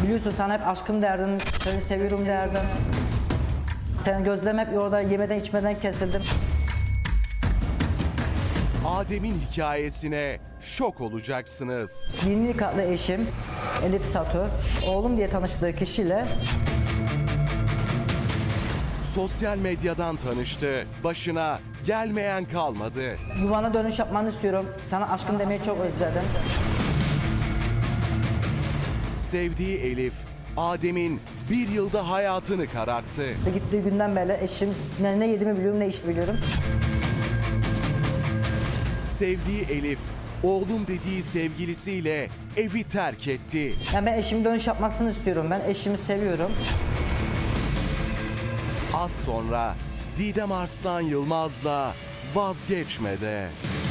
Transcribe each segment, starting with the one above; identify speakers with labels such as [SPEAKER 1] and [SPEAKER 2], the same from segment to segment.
[SPEAKER 1] Biliyorsun sen hep aşkım derdin, seni seviyorum derdin. Senin gözlem hep orada yemeden içmeden kesildim.
[SPEAKER 2] Adem'in hikayesine şok olacaksınız.
[SPEAKER 1] 20 nikahlı eşim Elif Satu, oğlum diye tanıştığı kişiyle
[SPEAKER 2] Sosyal medyadan tanıştı. Başına gelmeyen kalmadı.
[SPEAKER 1] yuvana dönüş yapmanı istiyorum. Sana aşkım demeyi çok özledim.
[SPEAKER 2] Sevdiği Elif, Adem'in bir yılda hayatını kararttı.
[SPEAKER 1] Ve gittiği günden beri eşim ne yediğimi biliyorum ne içtiğimi biliyorum.
[SPEAKER 2] Sevdiği Elif, oğlum dediği sevgilisiyle evi terk etti.
[SPEAKER 1] Yani ben eşimin dönüş yapmasını istiyorum. Ben eşimi seviyorum.
[SPEAKER 2] Az sonra Didem Arslan Yılmaz'la vazgeçmede.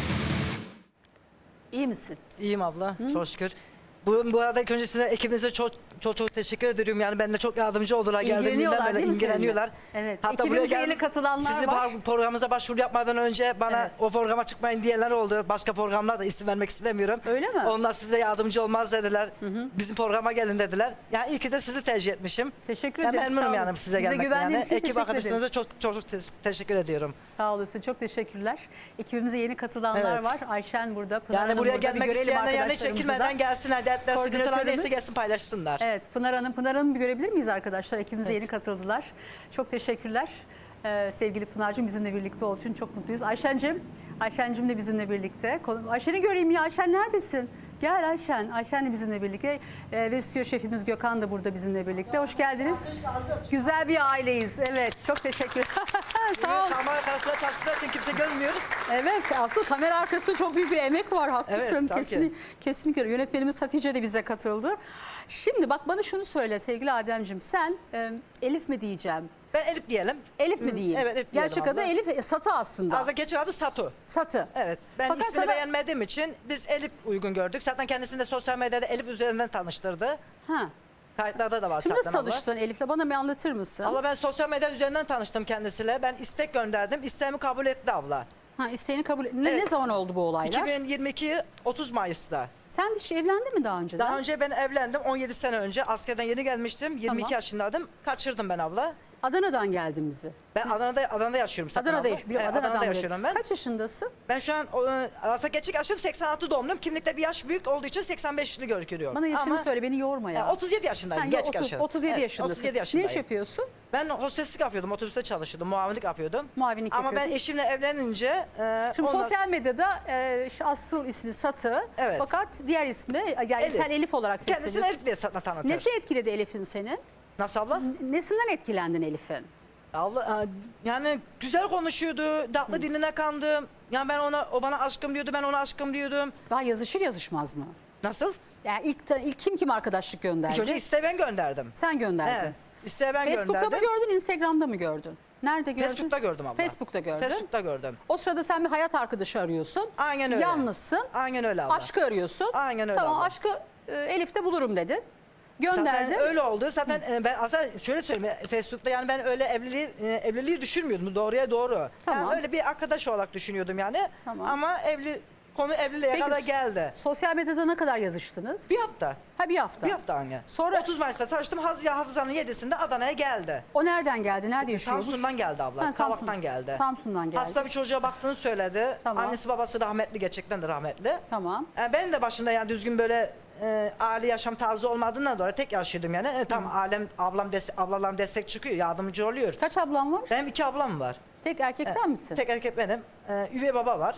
[SPEAKER 3] İyi misin?
[SPEAKER 1] İyiyim abla, çok şükür. Bu arada ilk önce size ekibinize çok teşekkür ediyorum. Yani benimle çok yardımcı oldular.
[SPEAKER 3] İlgileniyorlar
[SPEAKER 1] Geldiğimden beri
[SPEAKER 3] değil mi
[SPEAKER 1] ilgileniyorlar.
[SPEAKER 3] seninle? Evet.
[SPEAKER 1] Hatta
[SPEAKER 3] Ekibimize
[SPEAKER 1] buraya
[SPEAKER 3] yeni katılanlar
[SPEAKER 1] sizin
[SPEAKER 3] var.
[SPEAKER 1] programımıza başvuru yapmadan önce bana
[SPEAKER 3] Evet.
[SPEAKER 1] o programa çıkmayın diyenler oldu. Başka programlar da isim vermek istemiyorum.
[SPEAKER 3] Öyle mi?
[SPEAKER 1] Onlar size yardımcı olmaz dediler. Bizim programa gelin dediler. Yani iyi ki de sizi tercih etmişim.
[SPEAKER 3] Teşekkür
[SPEAKER 1] Ben
[SPEAKER 3] ederiz.
[SPEAKER 1] memnunum
[SPEAKER 3] Sağ olun.
[SPEAKER 1] yani size
[SPEAKER 3] Bize
[SPEAKER 1] gelmekten.
[SPEAKER 3] güvendiğin
[SPEAKER 1] Yani.
[SPEAKER 3] için
[SPEAKER 1] Ekip
[SPEAKER 3] teşekkür
[SPEAKER 1] arkadaşlarınıza
[SPEAKER 3] ederiz.
[SPEAKER 1] çok teşekkür ediyorum.
[SPEAKER 3] Sağ olasın. Çok teşekkürler. Ekibimize yeni katılanlar
[SPEAKER 1] Evet.
[SPEAKER 3] var. Ayşen burada. Pınar
[SPEAKER 1] Yani
[SPEAKER 3] Hanım
[SPEAKER 1] buraya
[SPEAKER 3] burada. Bir
[SPEAKER 1] gelmek
[SPEAKER 3] görelim
[SPEAKER 1] isteyenler yani
[SPEAKER 3] arkadaşlarımızı
[SPEAKER 1] çekinmeden
[SPEAKER 3] da.
[SPEAKER 1] gelsinler. Dertler, sıkıntılar neyse
[SPEAKER 3] Koordinatörümüz.
[SPEAKER 1] gelsin paylaşsınlar.
[SPEAKER 3] Evet, Pınar Hanım bir görebilir miyiz arkadaşlar? Ekibimize yeni katıldılar. Çok teşekkürler. Sevgili Pınar'cığım bizimle birlikte olduğu için çok mutluyuz. Ayşen'cim de bizimle birlikte. Ayşen'i göreyim ya. Ayşen neredesin? Gel Ayşen. Ayşen de bizimle birlikte. Ve stüdyo şefimiz Gökhan da burada bizimle birlikte. Hoş geldiniz. Güzel bir aileyiz. Evet, çok teşekkür Sağ ol.
[SPEAKER 1] Kamera karşısında çalıştıkları için kimse görmüyor.
[SPEAKER 3] Evet, aslında kamera arkasında çok büyük bir emek var. Haklısın.
[SPEAKER 1] Evet, tabii ki.
[SPEAKER 3] Kesinlikle. Yönetmenimiz Hatice de bize katıldı. Şimdi bak bana şunu söyle sevgili Ademciğim. Sen Elif mi diyeceğim?
[SPEAKER 1] Ben Elif diyelim.
[SPEAKER 3] Elif mi diyeyim?
[SPEAKER 1] Evet, Elif diyelim
[SPEAKER 3] Gerçek adı
[SPEAKER 1] abla.
[SPEAKER 3] Elif Satı aslında.
[SPEAKER 1] Aslında geçen adı Satu.
[SPEAKER 3] Satı.
[SPEAKER 1] Evet. Ben
[SPEAKER 3] Fakat
[SPEAKER 1] ismini
[SPEAKER 3] sana-
[SPEAKER 1] beğenmediğim için biz Elif uygun gördük. Zaten kendisini de sosyal medyada Elif üzerinden tanıştırdı.
[SPEAKER 3] Ha.
[SPEAKER 1] Kayıtlarda da var
[SPEAKER 3] Şimdi nasıl
[SPEAKER 1] zaten abla.
[SPEAKER 3] tanıştın Elif'le? Bana bir anlatır mısın?
[SPEAKER 1] Abla ben sosyal medya üzerinden tanıştım kendisiyle. Ben istek gönderdim. İsteğimi kabul etti abla.
[SPEAKER 3] Ha, isteğini kabul Ne
[SPEAKER 1] Evet.
[SPEAKER 3] zaman oldu bu olaylar?
[SPEAKER 1] 2022 30 Mayıs'ta.
[SPEAKER 3] Sen hiç evlendin mi daha önceden?
[SPEAKER 1] Daha önce ben evlendim. 17 sene önce askerden yeni gelmiştim. 22
[SPEAKER 3] Tamam.
[SPEAKER 1] yaşındaydım. Kaçırdım ben abla.
[SPEAKER 3] Adana'dan geldin bizi.
[SPEAKER 1] Ben Adana'da yaşıyorum zaten
[SPEAKER 3] Adana'da
[SPEAKER 1] abla.
[SPEAKER 3] yaşıyorum.
[SPEAKER 1] Evet,
[SPEAKER 3] Adana'dan
[SPEAKER 1] Adana'da
[SPEAKER 3] buraya.
[SPEAKER 1] yaşıyorum ben.
[SPEAKER 3] Kaç yaşındasın?
[SPEAKER 1] Ben şu an aslında gerçek yaşım 86 doğumluyum. Kimlikte bir yaş büyük olduğu için 85'li görünüyorum.
[SPEAKER 3] Bana yaşını
[SPEAKER 1] Ama,
[SPEAKER 3] söyle, beni yorma ya.
[SPEAKER 1] 37 yaşındayım.
[SPEAKER 3] Ha,
[SPEAKER 1] Gerçek
[SPEAKER 3] 30,
[SPEAKER 1] yaşım.
[SPEAKER 3] 37
[SPEAKER 1] Evet,
[SPEAKER 3] yaşındasın.
[SPEAKER 1] 37
[SPEAKER 3] Ne
[SPEAKER 1] yaşındayım.
[SPEAKER 3] iş yapıyorsun?
[SPEAKER 1] Ben hosteslik yapıyordum. Otobüste çalışıyordum. Muavinlik yapıyordum.
[SPEAKER 3] Muavinlik
[SPEAKER 1] Ama
[SPEAKER 3] yapıyordun.
[SPEAKER 1] ben eşimle evlenince...
[SPEAKER 3] Şimdi
[SPEAKER 1] ondan-
[SPEAKER 3] sosyal medyada şu asıl ismi Satı.
[SPEAKER 1] Evet.
[SPEAKER 3] Fakat diğer ismi yani
[SPEAKER 1] Elif.
[SPEAKER 3] sen Elif olarak
[SPEAKER 1] Kendisini
[SPEAKER 3] sesleniyorsun.
[SPEAKER 1] Elif diye tanıtır.
[SPEAKER 3] Nesi etkiledi Elif'in seni?
[SPEAKER 1] Nasıl abla?
[SPEAKER 3] Nesinden etkilendin Elif'in?
[SPEAKER 1] Abla yani güzel konuşuyordu. Tatlı diline kandım. Yani o bana aşkım diyordu. Ben ona aşkım diyordum.
[SPEAKER 3] Daha yazışır yazışmaz mı?
[SPEAKER 1] Nasıl?
[SPEAKER 3] Yani ilk kim arkadaşlık gönderdi?
[SPEAKER 1] İlk önce isteği ben gönderdim.
[SPEAKER 3] Sen gönderdin.
[SPEAKER 1] Evet. İsteği ben
[SPEAKER 3] Facebook'ta
[SPEAKER 1] gönderdim.
[SPEAKER 3] mı gördün, Instagram'da mı gördün? Nerede gördün?
[SPEAKER 1] Facebook'ta gördüm abla.
[SPEAKER 3] Facebook'ta gördün.
[SPEAKER 1] Facebook'ta gördüm.
[SPEAKER 3] O sırada sen bir hayat arkadaşı arıyorsun.
[SPEAKER 1] Aynen öyle.
[SPEAKER 3] Yalnızsın.
[SPEAKER 1] Aynen öyle abla.
[SPEAKER 3] Aşkı arıyorsun.
[SPEAKER 1] Aynen öyle
[SPEAKER 3] Tamam
[SPEAKER 1] abla.
[SPEAKER 3] aşkı Elif'te bulurum dedin. Gönderdin.
[SPEAKER 1] Zaten öyle oldu. Zaten ben aslında şöyle söyleyeyim. Facebook'ta yani ben öyle evliliği düşünmüyordum. Doğruya doğru.
[SPEAKER 3] Tamam.
[SPEAKER 1] Yani öyle bir arkadaş olarak düşünüyordum yani.
[SPEAKER 3] Tamam.
[SPEAKER 1] Ama konu evliliğe
[SPEAKER 3] Peki,
[SPEAKER 1] kadar geldi.
[SPEAKER 3] Sosyal medyada ne kadar yazıştınız?
[SPEAKER 1] Bir hafta.
[SPEAKER 3] Ha, bir hafta.
[SPEAKER 1] Bir hafta anne.
[SPEAKER 3] Sonra-
[SPEAKER 1] 30 Mayıs'ta tanıştım. Haziran'ın 7'sinde Adana'ya geldi.
[SPEAKER 3] O nereden geldi? Nerede yaşıyormuş?
[SPEAKER 1] Samsun'dan geldi abla.
[SPEAKER 3] Ha, Samsun.
[SPEAKER 1] Kavak'tan geldi.
[SPEAKER 3] Samsun'dan geldi.
[SPEAKER 1] Hasta bir çocuğa baktığını söyledi.
[SPEAKER 3] Tamam.
[SPEAKER 1] Annesi babası rahmetli, gerçekten de rahmetli.
[SPEAKER 3] Tamam.
[SPEAKER 1] Ben de başında yani düzgün böyle aile yaşam tarzı olmadığından dolayı tek yaşıyordum yani. Tam ablalarım destek çıkıyor, yardımcı oluyor.
[SPEAKER 3] Kaç ablam var?
[SPEAKER 1] Benim 2 ablam var.
[SPEAKER 3] Tek erkek sen misin?
[SPEAKER 1] Tek erkek benim. Üvey baba var.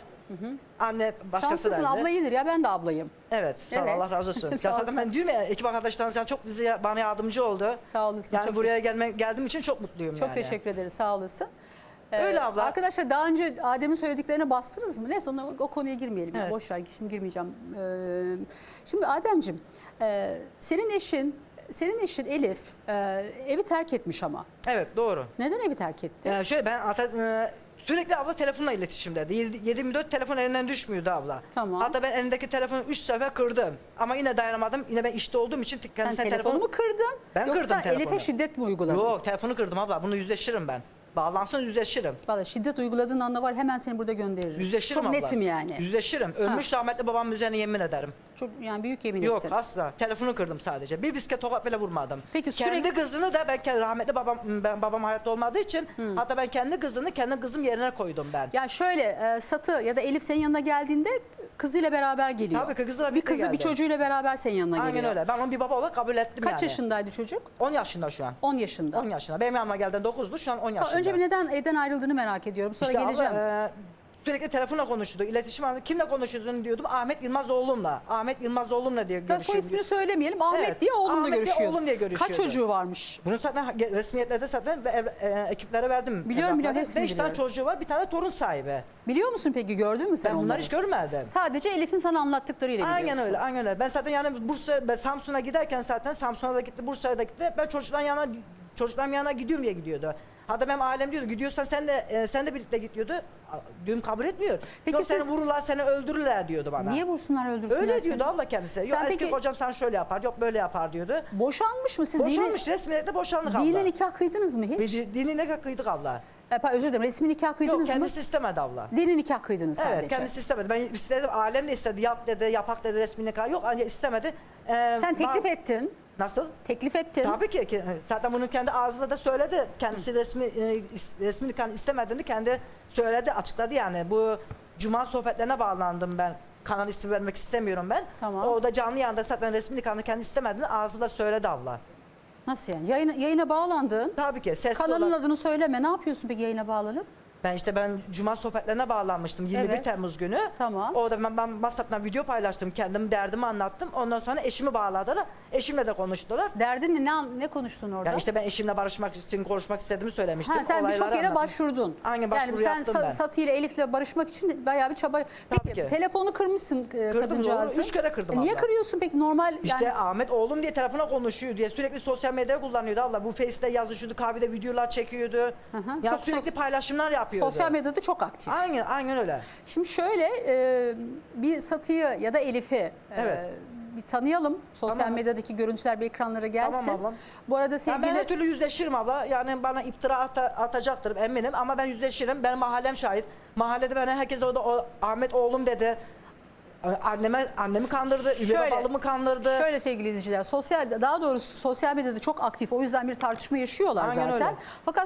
[SPEAKER 1] Anne başkası
[SPEAKER 3] Şanslısın,
[SPEAKER 1] derdi.
[SPEAKER 3] abla iyidir ya, ben de ablayım.
[SPEAKER 1] Evet, sağ ol,
[SPEAKER 3] Evet.
[SPEAKER 1] Allah razı olsun.
[SPEAKER 3] Sağ
[SPEAKER 1] Ya
[SPEAKER 3] ol,
[SPEAKER 1] zaten ben diyorum ya, ekip arkadaşlarınız yani çok bana yardımcı oldu.
[SPEAKER 3] Sağ olasın.
[SPEAKER 1] Yani
[SPEAKER 3] çok
[SPEAKER 1] buraya geldiğim için çok mutluyum
[SPEAKER 3] Çok
[SPEAKER 1] yani.
[SPEAKER 3] teşekkür ederiz, sağ olasın.
[SPEAKER 1] Öyle abla.
[SPEAKER 3] Arkadaşlar daha önce Adem'in söylediklerine bastınız mı? Neyse o konuya girmeyelim.
[SPEAKER 1] Evet.
[SPEAKER 3] Ya, boş ver, şimdi girmeyeceğim. Şimdi Adem'ciğim senin eşin Elif evi terk etmiş ama.
[SPEAKER 1] Evet, doğru.
[SPEAKER 3] Neden evi terk etti?
[SPEAKER 1] Şöyle ben sürekli abla telefonla iletişimdeydi. 7/24 telefon elinden düşmüyordu abla.
[SPEAKER 3] Tamam.
[SPEAKER 1] Hatta ben elindeki telefonu 3 sefer kırdım. Ama yine dayanamadım. Yine ben işte olduğum için
[SPEAKER 3] Sen
[SPEAKER 1] kendisine
[SPEAKER 3] telefonu mu kırdın?
[SPEAKER 1] Ben
[SPEAKER 3] Yoksa
[SPEAKER 1] kırdım telefonu.
[SPEAKER 3] Elif'e şiddet mi uyguladın?
[SPEAKER 1] Yok, telefonu kırdım abla. Bunu yüzleştiririm ben. Bağlansın yüzleşirim.
[SPEAKER 3] Vallahi şiddet uyguladığın anda var hemen seni burada gönderirim.
[SPEAKER 1] Yüzleşirim
[SPEAKER 3] Çok
[SPEAKER 1] abla.
[SPEAKER 3] netim yani.
[SPEAKER 1] Yüzleşirim. Ölmüş rahmetli babamın üzerine yemin ederim.
[SPEAKER 3] Çok yani büyük yemin
[SPEAKER 1] Yok
[SPEAKER 3] ettin.
[SPEAKER 1] asla. Telefonu kırdım sadece. Bir bisiklet tokat bile vurmadım.
[SPEAKER 3] Peki
[SPEAKER 1] kendi
[SPEAKER 3] sürekli-
[SPEAKER 1] kızını da rahmetli babam hayatta olmadığı için hatta ben kendi kızını kendi kızım yerine koydum ben.
[SPEAKER 3] Ya şöyle Satı ya da Elif senin yanına geldiğinde kızıyla beraber geliyor.
[SPEAKER 1] Tabii ki kızıyla
[SPEAKER 3] bir
[SPEAKER 1] birlikte
[SPEAKER 3] kızı bir
[SPEAKER 1] geldi.
[SPEAKER 3] çocuğuyla beraber senin yanına
[SPEAKER 1] Aynen
[SPEAKER 3] geliyor.
[SPEAKER 1] öyle. Ben onu bir baba olarak kabul ettim
[SPEAKER 3] Kaç
[SPEAKER 1] yani.
[SPEAKER 3] yaşındaydı çocuk?
[SPEAKER 1] 10 yaşında şu an.
[SPEAKER 3] 10 yaşında.
[SPEAKER 1] 10 yaşında. Benim yanıma geldiğinde 9'du, şu an 10 yaşında.
[SPEAKER 3] Önce bir neden evden ayrıldığını merak ediyorum. Sonra
[SPEAKER 1] İşte
[SPEAKER 3] geleceğim.
[SPEAKER 1] abla, sürekli telefonla konuşuyordu. İletişim halinde kimle konuşuyorsun diyordum. Ahmet Yılmaz oğlumla. Ahmet Yılmaz oğlumla diye
[SPEAKER 3] Ya soy
[SPEAKER 1] görüşüyordum.
[SPEAKER 3] ismini söylemeyelim. Ahmet
[SPEAKER 1] Evet,
[SPEAKER 3] diye oğlumla
[SPEAKER 1] Ahmet diye
[SPEAKER 3] görüşüyor.
[SPEAKER 1] oğlum diye
[SPEAKER 3] Kaç
[SPEAKER 1] görüşüyordu.
[SPEAKER 3] çocuğu varmış?
[SPEAKER 1] Bunu zaten resmiyetlerde zaten ekiplere verdim.
[SPEAKER 3] Biliyorum,
[SPEAKER 1] evlatları.
[SPEAKER 3] hepsini
[SPEAKER 1] 5 tane
[SPEAKER 3] biliyorum.
[SPEAKER 1] çocuğu var, bir tane torun sahibi.
[SPEAKER 3] Biliyor musun peki, gördün mü sen
[SPEAKER 1] Ben
[SPEAKER 3] onları?
[SPEAKER 1] bunları hiç görmedim.
[SPEAKER 3] Sadece Elif'in sana anlattıklarıyla
[SPEAKER 1] Aynen
[SPEAKER 3] biliyorsun.
[SPEAKER 1] öyle, aynen öyle. Ben zaten yani ben Samsun'a giderken zaten Samsun'a da gitti, Bursa'ya da gitti. Ben çocukların yanına gidiyorum diye gidiyordu. Hatta benim ailem diyordu, gidiyorsan sen de birlikte git diyordu. Diyorum kabul etmiyor.
[SPEAKER 3] Peki
[SPEAKER 1] Yok
[SPEAKER 3] siz-
[SPEAKER 1] seni vururlar, seni öldürürler diyordu bana.
[SPEAKER 3] Niye vursunlar, öldürsünler
[SPEAKER 1] Öyle
[SPEAKER 3] seni?
[SPEAKER 1] diyordu abla kendisi. Yok
[SPEAKER 3] Sen
[SPEAKER 1] eski
[SPEAKER 3] peki-
[SPEAKER 1] kocam sen şöyle yapar, yok böyle yapar diyordu.
[SPEAKER 3] Boşanmış mı siz?
[SPEAKER 1] Boşanmış, resmiyette boşandık abla.
[SPEAKER 3] Dini nikah kıydınız mı hiç?
[SPEAKER 1] Dini nikah kıydık abla.
[SPEAKER 3] Özür dilerim, resmi nikah
[SPEAKER 1] Yok
[SPEAKER 3] kıydınız mı?
[SPEAKER 1] kendisi istemedi abla.
[SPEAKER 3] Dini nikah kıydınız sadece.
[SPEAKER 1] Evet kendisi istemedi. Ben istedim, ailem de istedi, yap dedi, yapak dedi, resmi nikah. Yok ancak istemedi.
[SPEAKER 3] Sen teklif ettin.
[SPEAKER 1] Nasıl?
[SPEAKER 3] Teklif ettin.
[SPEAKER 1] Tabii ki. Zaten bunu kendi ağzıyla da söyledi. Kendisi resmi nikahını istemediğini kendi söyledi, açıkladı yani. Bu cuma sohbetlerine bağlandım ben. Kanal ismi vermek istemiyorum ben.
[SPEAKER 3] Tamam.
[SPEAKER 1] O da canlı yayında zaten resmi nikahını kendi istemediğini ağzıyla söyledi abla.
[SPEAKER 3] Nasıl yani? Yayına bağlandın.
[SPEAKER 1] Tabii ki. Sesli
[SPEAKER 3] Kanalın
[SPEAKER 1] olarak.
[SPEAKER 3] adını söyleme. Ne yapıyorsun peki yayına bağlanıp?
[SPEAKER 1] Ben cuma sohbetlerine bağlanmıştım 21
[SPEAKER 3] Evet.
[SPEAKER 1] Temmuz günü.
[SPEAKER 3] Tamam.
[SPEAKER 1] Orada ben WhatsApp'tan video paylaştım. Kendim derdimi anlattım. Ondan sonra eşimi bağladılar. Eşimle de konuştular.
[SPEAKER 3] Derdin ne konuştun orada?
[SPEAKER 1] Ya işte ben eşimle barışmak için konuşmak istediğimi söylemiştim.
[SPEAKER 3] Ha, sen birçok
[SPEAKER 1] Olayları
[SPEAKER 3] yere
[SPEAKER 1] anlattım.
[SPEAKER 3] başvurdun.
[SPEAKER 1] Aynen,
[SPEAKER 3] Yani
[SPEAKER 1] başvuru
[SPEAKER 3] sen
[SPEAKER 1] yaptım ben.
[SPEAKER 3] Satı ile Elif'le barışmak için bayağı bir çaba. Peki
[SPEAKER 1] ki.
[SPEAKER 3] telefonu kırmışsın kadıncağızın.
[SPEAKER 1] doğru. 3 kere kırdım
[SPEAKER 3] Niye
[SPEAKER 1] abla.
[SPEAKER 3] kırıyorsun peki, normal
[SPEAKER 1] İşte
[SPEAKER 3] yani?
[SPEAKER 1] Ahmet oğlum diye telefona konuşuyor diye sürekli sosyal medyayı kullanıyordu abla. Bu Face'te yazışıyordu, kahvede videolar çekiyordu. Ya
[SPEAKER 3] Çok
[SPEAKER 1] sürekli
[SPEAKER 3] sos-
[SPEAKER 1] paylaşımlar yapıyordu.
[SPEAKER 3] Sosyal medyada çok aktif.
[SPEAKER 1] Aynen öyle.
[SPEAKER 3] Şimdi şöyle bir Satı'yı ya da Elif'i
[SPEAKER 1] Evet.
[SPEAKER 3] bir tanıyalım. Sosyal
[SPEAKER 1] Tamam.
[SPEAKER 3] medyadaki görüntüler bir ekranlara gelsin.
[SPEAKER 1] Tamam ablam.
[SPEAKER 3] Bu arada
[SPEAKER 1] Ya
[SPEAKER 3] sevgili...
[SPEAKER 1] ben her türlü yüzleşirim abla. Yani bana iftira atacaktır eminim ama ben yüzleşirim. Benim mahallem şahit. Mahallede bana herkes orada Ahmet oğlum dedi. Annemi kandırdı, üvey babalımı kandırdı.
[SPEAKER 3] Şöyle sevgili izleyiciler, daha doğrusu sosyal medyada çok aktif, o yüzden bir tartışma yaşıyorlar
[SPEAKER 1] Aynen
[SPEAKER 3] zaten.
[SPEAKER 1] öyle.
[SPEAKER 3] Fakat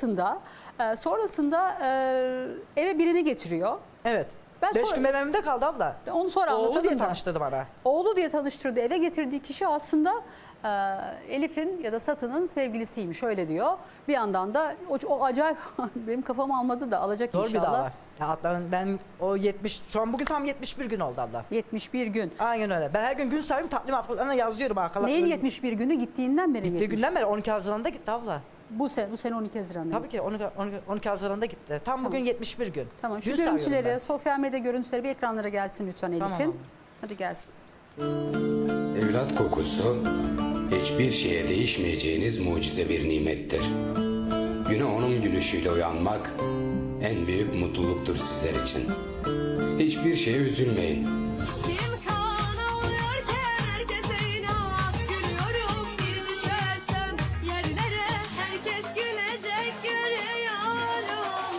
[SPEAKER 3] sonrasında eve birini getiriyor.
[SPEAKER 1] Evet.
[SPEAKER 3] Ben
[SPEAKER 1] 5
[SPEAKER 3] sonra-
[SPEAKER 1] gün benim evimde kaldı abla.
[SPEAKER 3] Onu sonra
[SPEAKER 1] Oğlu diye
[SPEAKER 3] anlatalım da.
[SPEAKER 1] tanıştırdı bana.
[SPEAKER 3] Oğlu diye tanıştırdı, eve getirdiği kişi aslında Elif'in ya da Satı'nın sevgilisiymiş, öyle diyor. Bir yandan da o acayip benim kafamı almadı da alacak
[SPEAKER 1] Zor bir
[SPEAKER 3] inşallah.
[SPEAKER 1] dava. Ya hatta ben o 70, şu an bugün tam 71 gün oldu abla.
[SPEAKER 3] 71 gün.
[SPEAKER 1] Aynen öyle. Ben her gün gün sayıyorum, takvim haftalarına yazıyorum arkalarına.
[SPEAKER 3] Neyin 71 günü? Gittiğinden beri
[SPEAKER 1] Gittiği
[SPEAKER 3] 70.
[SPEAKER 1] günden beri 12 Haziran'da gitti abla.
[SPEAKER 3] Bu sene 12 Haziran'da.
[SPEAKER 1] Tabii ki 12 Haziran'da gitti. Tam bugün 71 gün.
[SPEAKER 3] Tamam, şu
[SPEAKER 1] Gün sayıyorum
[SPEAKER 3] görüntüleri,
[SPEAKER 1] ben.
[SPEAKER 3] sosyal medya görüntüleri bir ekranlara gelsin lütfen Elif'in.
[SPEAKER 1] Tamam.
[SPEAKER 3] Hadi gelsin.
[SPEAKER 4] Evlat kokusu hiçbir şeye değişmeyeceğiniz mucize bir nimettir. Güne onun gülüşüyle uyanmak en büyük mutluluktur sizler için. Hiçbir şeye üzülmeyin.
[SPEAKER 5] Kim kan alıyorken herkese inat gülüyorum, bir düşersem yerlere herkes gülecek görüyorum.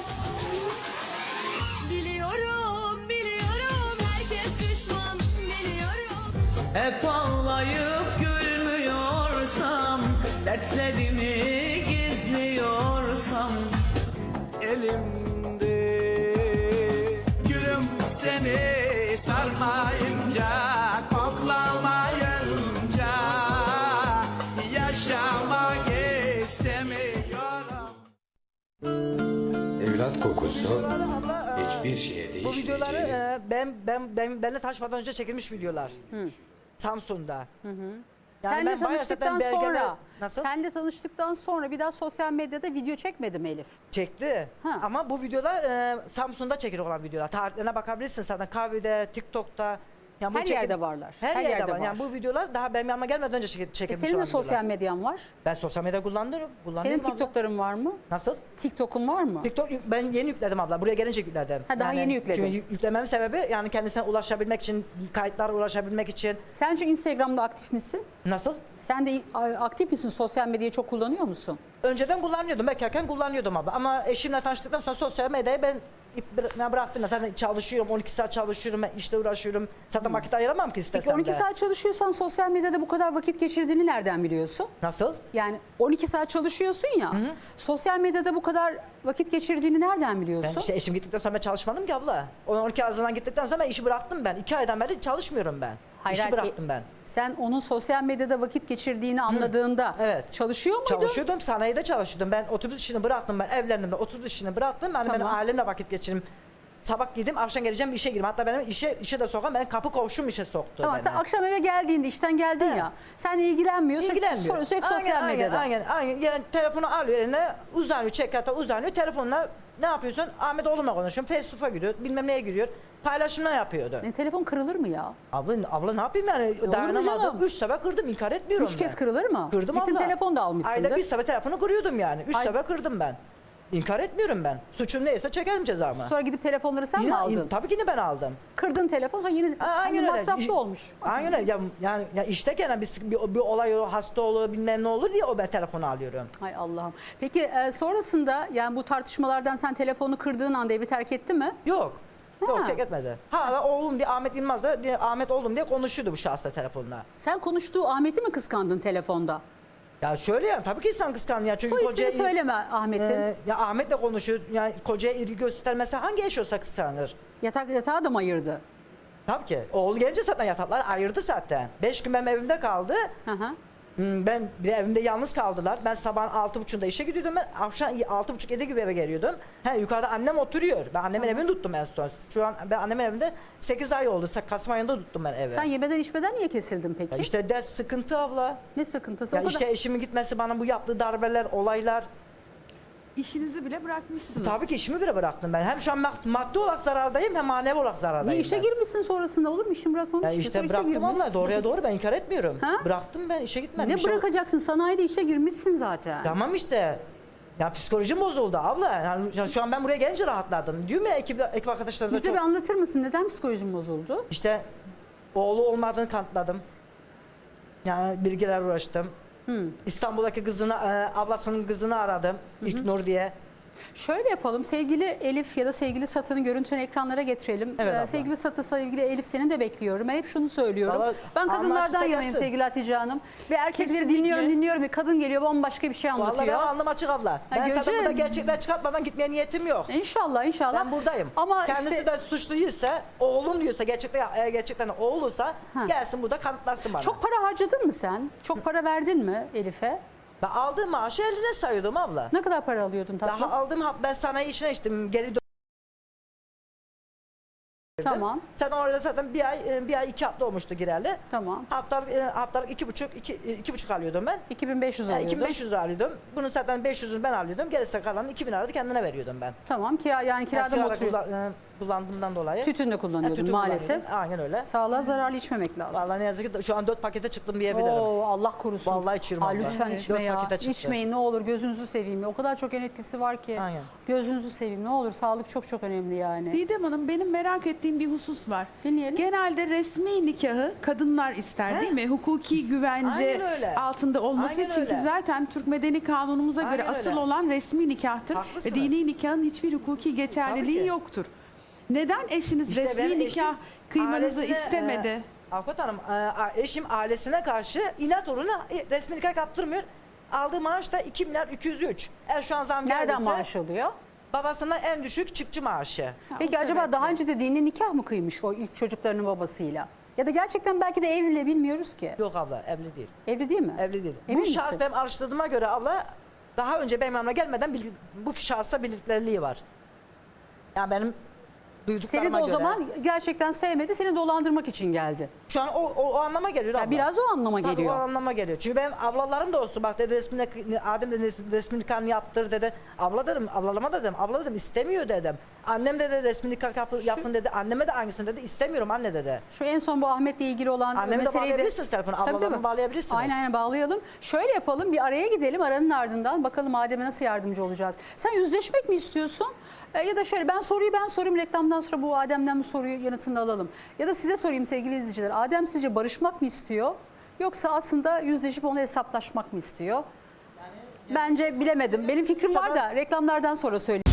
[SPEAKER 5] Biliyorum herkes düşman biliyorum.
[SPEAKER 6] Hep ağlayıp gülmüyorsam, dertlerimi gizliyorsam, elimde gülüm seni sarmayınca, koklamayınca yaşamak istemiyorum.
[SPEAKER 4] Evlat kokusu
[SPEAKER 1] Abla,
[SPEAKER 4] hiçbir şeye
[SPEAKER 1] bu videoları
[SPEAKER 4] değişmeyeceğiniz...
[SPEAKER 1] benimle tanışmadan önce çekilmiş videolar.
[SPEAKER 3] Senle
[SPEAKER 1] Samsun'da. bayağı
[SPEAKER 3] tanıştıktan
[SPEAKER 1] zaten belgeler-
[SPEAKER 3] sonra,
[SPEAKER 1] Nasıl?
[SPEAKER 3] senle tanıştıktan sonra bir daha sosyal medyada video çekmedim Elif.
[SPEAKER 1] Çekti.
[SPEAKER 3] Ha.
[SPEAKER 1] Ama bu videolar Samsun'da çekili olan videolar. Tarihlerine bakabilirsin zaten. Kahvede, TikTok'ta Yani bu
[SPEAKER 3] Her yerde varlar.
[SPEAKER 1] Her yerde var. Yani bu videolar daha benim yanıma gelmeden önce çekilmiş
[SPEAKER 3] Senin de
[SPEAKER 1] olan
[SPEAKER 3] sosyal
[SPEAKER 1] videolar.
[SPEAKER 3] medyan var.
[SPEAKER 1] Ben sosyal medya kullanıyorum.
[SPEAKER 3] Senin TikTok'ların var mı?
[SPEAKER 1] Nasıl?
[SPEAKER 3] TikTok'un var mı?
[SPEAKER 1] TikTok ben yeni yükledim abla. Buraya gelince yükledim.
[SPEAKER 3] Ha, daha yeni yükledin.
[SPEAKER 1] Çünkü yüklememin sebebi yani kendisine ulaşabilmek için, kayıtlara ulaşabilmek için.
[SPEAKER 3] Sence Instagram'da aktif misin?
[SPEAKER 1] Nasıl?
[SPEAKER 3] Sen de aktif misin? Sosyal medyayı çok kullanıyor musun?
[SPEAKER 1] Önceden kullanıyordum. Bekarken kullanıyordum abla. Ama eşimle tanıştıktan sonra sosyal medyayı ben bıraktım. Zaten çalışıyorum. 12 saat çalışıyorum. Ben işte uğraşıyorum. Zaten vakit ayıramam ki istesem
[SPEAKER 3] Peki 12
[SPEAKER 1] de.
[SPEAKER 3] saat çalışıyorsan sosyal medyada bu kadar vakit geçirdiğini nereden biliyorsun?
[SPEAKER 1] Nasıl?
[SPEAKER 3] Yani 12 saat çalışıyorsun ya. Sosyal medyada bu kadar vakit geçirdiğini nereden biliyorsun?
[SPEAKER 1] Ben işte eşim gittikten sonra ben çalışmadım ki abla. 12 ağzından gittikten sonra ben işi bıraktım ben. 2 aydan beri çalışmıyorum ben. İşi bıraktım ben.
[SPEAKER 3] Sen onun sosyal medyada vakit geçirdiğini anladığında
[SPEAKER 1] Evet.
[SPEAKER 3] çalışıyor muydun?
[SPEAKER 1] Çalışıyordum, sanayide çalışıyordum. Ben otobüs işini bıraktım, ben evlendim, ben otobüs işini bıraktım. Yani benim
[SPEAKER 3] Tamam.
[SPEAKER 1] ailemle vakit geçirdim. Sabah gideyim, akşam geleceğim, işe gireyim. Hatta benim işe de sokan, benim kapı komşum işe soktu
[SPEAKER 3] Tamam,
[SPEAKER 1] beni.
[SPEAKER 3] sen akşam eve geldiğinde işten geldin ya. Sen ilgilenmiyorsun.
[SPEAKER 1] İlgilenmiyor.
[SPEAKER 3] Sürekli sosyal medyada.
[SPEAKER 1] Aynen. Yani telefonu alıyor eline, uzanıyor, çekyata uzanıyor. Telefonla ne yapıyorsun? Ahmet oğlumla konuşuyorum. Facebook'a giriyor, bilmem neye giriyor. Paylaşımlar yapıyordu.
[SPEAKER 3] Telefon kırılır mı ya?
[SPEAKER 1] Abla ne yapayım yani?
[SPEAKER 3] mu
[SPEAKER 1] Dayanamadım.
[SPEAKER 3] canım?
[SPEAKER 1] 3 sefer kırdım, inkar etmiyorum
[SPEAKER 3] 3 kez
[SPEAKER 1] ben.
[SPEAKER 3] kırılır mı?
[SPEAKER 1] Kırdım
[SPEAKER 3] Gittin
[SPEAKER 1] abla.
[SPEAKER 3] telefon da almışsındır.
[SPEAKER 1] Ayda bir sefer telefonu kırıyordum yani. 3
[SPEAKER 3] Ay-
[SPEAKER 1] sefer kırdım ben. İnkar etmiyorum ben. Suçum neyse çekerim cezamı.
[SPEAKER 3] Sonra gidip telefonları sen mi aldın?
[SPEAKER 1] Tabii ki de ben aldım.
[SPEAKER 3] Kırdın telefon sonra yine
[SPEAKER 1] Aynen öyle.
[SPEAKER 3] masraflı olmuş.
[SPEAKER 1] Aynen öyle. Ya işteyken bir olay olur, hasta olur, bilmem ne olur diye ben telefonu alıyorum.
[SPEAKER 3] Hay Allah'ım. Peki sonrasında yani bu tartışmalardan sen telefonu kırdığın anda evi terk etti mi?
[SPEAKER 1] Yok.
[SPEAKER 3] Ha.
[SPEAKER 1] Yok, tek etmedi. Hala oğlum diye Ahmet Yılmaz da Ahmet oğlum diye konuşuyordu bu şahsla telefonla.
[SPEAKER 3] Sen konuştuğu Ahmet'i mi kıskandın telefonda?
[SPEAKER 1] Ya şöyle yani tabii ki insan kıskanıyor. Çünkü
[SPEAKER 3] Soy ismini söyleme Ahmet'in.
[SPEAKER 1] Ya Ahmet'le konuşuyor. Yani kocaya ilgi göstermesi hangi eş olsa kıskanır?
[SPEAKER 3] Yatağı da mı ayırdı?
[SPEAKER 1] Tabii ki. Oğlu gelince zaten yataklar ayırdı zaten. 5 gün benim evimde kaldı.
[SPEAKER 3] Hı hı.
[SPEAKER 1] Ben bir de evimde yalnız kaldılar. Ben sabah 6.30'da işe gidiyordum. Ben akşam 6.30-7 gibi eve geliyordum. Yukarıda annem oturuyor. Ben annemin evini tuttum en son. Şu an ben annemin evinde 8 ay oldu. Kasım ayında tuttum ben evi.
[SPEAKER 3] Sen yemeden içmeden niye kesildin peki?
[SPEAKER 1] Ya işte dert sıkıntı abla.
[SPEAKER 3] Ne sıkıntısı?
[SPEAKER 1] Ya
[SPEAKER 3] O kadar...
[SPEAKER 1] işte eşimin gitmesi, bana bu yaptığı darbeler, olaylar.
[SPEAKER 7] İşinizi bile bırakmışsınız.
[SPEAKER 1] Tabii ki işimi bile bıraktım ben. Hem şu an maddi olarak zarardayım hem manevi olarak zarardayım.
[SPEAKER 3] Niye işe
[SPEAKER 1] ben.
[SPEAKER 3] girmişsin sonrasında olur mu? İşin bırakmamış
[SPEAKER 1] Ya
[SPEAKER 3] ki.
[SPEAKER 1] işte
[SPEAKER 3] Sonra işe
[SPEAKER 1] bıraktım
[SPEAKER 3] girmiş.
[SPEAKER 1] abla. Doğruya doğru, ben inkar etmiyorum.
[SPEAKER 3] Ha?
[SPEAKER 1] Bıraktım, ben işe gitmedim.
[SPEAKER 3] Ne
[SPEAKER 1] İşe-
[SPEAKER 3] bırakacaksın? Sanayide işe girmişsin zaten.
[SPEAKER 1] Tamam işte. Ya psikolojim bozuldu abla. Yani şu an ben buraya gelince rahatladım. Diyorum ya ekip arkadaşlarına
[SPEAKER 3] Bize
[SPEAKER 1] çok...
[SPEAKER 3] bir anlatır mısın? Neden psikolojin bozuldu?
[SPEAKER 1] İşte oğlu olmadığını kanıtladım. Yani bilgiler uğraştım. İstanbul'daki kızını, ablasının kızını aradım. İlknur diye.
[SPEAKER 3] Şöyle yapalım. Sevgili Elif ya da sevgili Satı'nın görüntülerini ekranlara getirelim.
[SPEAKER 1] Evet abla.
[SPEAKER 3] Sevgili Satı, sevgili Elif seni de bekliyorum. Ben hep şunu söylüyorum.
[SPEAKER 1] Vallahi
[SPEAKER 3] Ben kadınlardan
[SPEAKER 1] anlaşsa
[SPEAKER 3] yanayım
[SPEAKER 1] gelsin.
[SPEAKER 3] sevgili Hatice Hanım. Ve erkekleri
[SPEAKER 7] Kesinlikle.
[SPEAKER 3] dinliyorum. Bir kadın geliyor bambaşka bir şey
[SPEAKER 1] Vallahi
[SPEAKER 3] anlatıyor.
[SPEAKER 1] benim alnım açık abla. Ben zaten
[SPEAKER 3] göreceğiz.
[SPEAKER 1] burada gerçekler çıkartmadan gitmeye niyetim yok.
[SPEAKER 3] İnşallah.
[SPEAKER 1] Ben buradayım.
[SPEAKER 3] Ama
[SPEAKER 1] kendisi
[SPEAKER 3] işte
[SPEAKER 1] de suçlu değilse, oğlum diyorsa, gerçekten oğluysa gelsin burada kanıtlasın bana.
[SPEAKER 3] çok para harcadın mı sen? Çok para verdin mi Elif'e?
[SPEAKER 1] Ben aldığım maaşı eline sayıyordum abla.
[SPEAKER 3] Ne kadar para alıyordun tatlım?
[SPEAKER 1] Daha aldığım ben sanayi işine içtim. Geri
[SPEAKER 3] Tamam.
[SPEAKER 1] Sen orada zaten bir ay 2 hafta olmuştu gireli.
[SPEAKER 3] Tamam.
[SPEAKER 1] Haftalık 2,5 alıyordum ben.
[SPEAKER 3] 2500
[SPEAKER 1] Yani
[SPEAKER 3] alıyordun.
[SPEAKER 1] 2500 lira alıyordum. Bunun zaten 500'ünü ben alıyordum. Gerisi kalanını 2000 lira da kendine veriyordum ben.
[SPEAKER 3] Tamam. Yani kirada mı
[SPEAKER 1] sigara
[SPEAKER 3] oturuyor?
[SPEAKER 1] kullandığımdan dolayı.
[SPEAKER 3] Tütün de kullanıyordun
[SPEAKER 1] tütün
[SPEAKER 3] maalesef.
[SPEAKER 1] kullanıyordum. Aynen öyle.
[SPEAKER 3] Sağlığa zararlı içmemek lazım.
[SPEAKER 1] Vallahi ne yazık ki şu an 4 pakete çıktım diyebilirim.
[SPEAKER 3] Oo, Allah korusun.
[SPEAKER 1] Vallahi içiyorum abla.
[SPEAKER 3] Lütfen
[SPEAKER 1] Evet.
[SPEAKER 3] içme
[SPEAKER 1] 4
[SPEAKER 3] ya.
[SPEAKER 1] pakete çıktı.
[SPEAKER 3] İçmeyin ne olur, gözünüzü seveyim. O kadar çok yan etkisi var ki.
[SPEAKER 1] Aynen.
[SPEAKER 3] Gözünüzü seveyim ne olur. Sağlık çok çok önemli yani.
[SPEAKER 7] Didem Hanım, benim merak ettiğim bir husus var.
[SPEAKER 3] Dinleyelim.
[SPEAKER 7] Genelde resmi nikahı kadınlar ister değil mi? Hukuki güvence
[SPEAKER 1] Aynen öyle.
[SPEAKER 7] altında olması
[SPEAKER 1] Aynen
[SPEAKER 7] için
[SPEAKER 1] öyle.
[SPEAKER 7] ki zaten Türk Medeni Kanunumuza göre
[SPEAKER 1] Aynen
[SPEAKER 7] asıl
[SPEAKER 1] öyle.
[SPEAKER 7] olan resmi nikahtır.
[SPEAKER 1] Haklısınız.
[SPEAKER 7] Ve dini nikahın hiçbir hukuki
[SPEAKER 1] Tabii
[SPEAKER 7] geçerliliği
[SPEAKER 1] ki.
[SPEAKER 7] yoktur. Neden eşiniz
[SPEAKER 1] İşte
[SPEAKER 7] resmi
[SPEAKER 1] benim
[SPEAKER 7] nikah
[SPEAKER 1] eşim
[SPEAKER 7] kıymanızı
[SPEAKER 1] ailesine,
[SPEAKER 7] istemedi?
[SPEAKER 1] Avukat Hanım, eşim ailesine karşı inat uğruna resmi nikah yaptırmıyor. Aldığı maaş da 2 milyar 203. Şu an zam
[SPEAKER 3] Nereden
[SPEAKER 1] geldiyse
[SPEAKER 3] maaş alıyor?
[SPEAKER 1] babasından en düşük çıkçı maaşı.
[SPEAKER 3] Peki
[SPEAKER 7] o
[SPEAKER 3] acaba
[SPEAKER 7] sebeple.
[SPEAKER 3] daha önce de dini nikah mı kıymış o ilk çocuklarının babasıyla? Ya da gerçekten belki de evli bilmiyoruz ki.
[SPEAKER 1] Yok abla, evli değil.
[SPEAKER 3] Evli değil mi?
[SPEAKER 1] Evli değil.
[SPEAKER 3] Emin
[SPEAKER 1] Bu şahıs
[SPEAKER 3] misin?
[SPEAKER 1] benim araştırdığıma göre abla daha önce benim yanıma gelmeden bu şahısla birlikteliği var. Yani benim duyduklarıma
[SPEAKER 3] Seni de o
[SPEAKER 1] göre.
[SPEAKER 3] zaman gerçekten sevmedi, seni dolandırmak için geldi.
[SPEAKER 1] Şu an o anlama geliyor abla.
[SPEAKER 3] Biraz o anlama
[SPEAKER 1] Tabii
[SPEAKER 3] geliyor.
[SPEAKER 1] o anlama geliyor. Çünkü benim ablalarım da olsun bak dedi Adem dedi resmi nikahını yaptır dedi. Abla dedim, ablalama dedim. Abla dedim istemiyor dedim. Annem dedi resmi nikah yapın dedi. Anneme de aynısını dedi. İstemiyorum anne dedi.
[SPEAKER 3] Şu en son bu Ahmet'le ilgili olan
[SPEAKER 1] Annemi de
[SPEAKER 3] meseleyi
[SPEAKER 1] bağlayabilirsiniz telefonu.
[SPEAKER 3] Tabii,
[SPEAKER 1] Ablalarımı
[SPEAKER 3] tabii.
[SPEAKER 1] bağlayabilirsiniz.
[SPEAKER 3] Aynen bağlayalım. Şöyle yapalım, bir araya gidelim, aranın ardından bakalım Adem'e nasıl yardımcı olacağız. Sen yüzleşmek mi istiyorsun? Ya da şöyle ben sorayım, reklamdan sonra bu Adem'den bu soruyu yanıtını alalım. Ya da size sorayım sevgili izleyiciler. Adem sizce barışmak mı istiyor? Yoksa aslında yüzleşip ona hesaplaşmak mı istiyor? Bence bilemedim. Benim fikrim var da reklamlardan sonra söyleyeyim.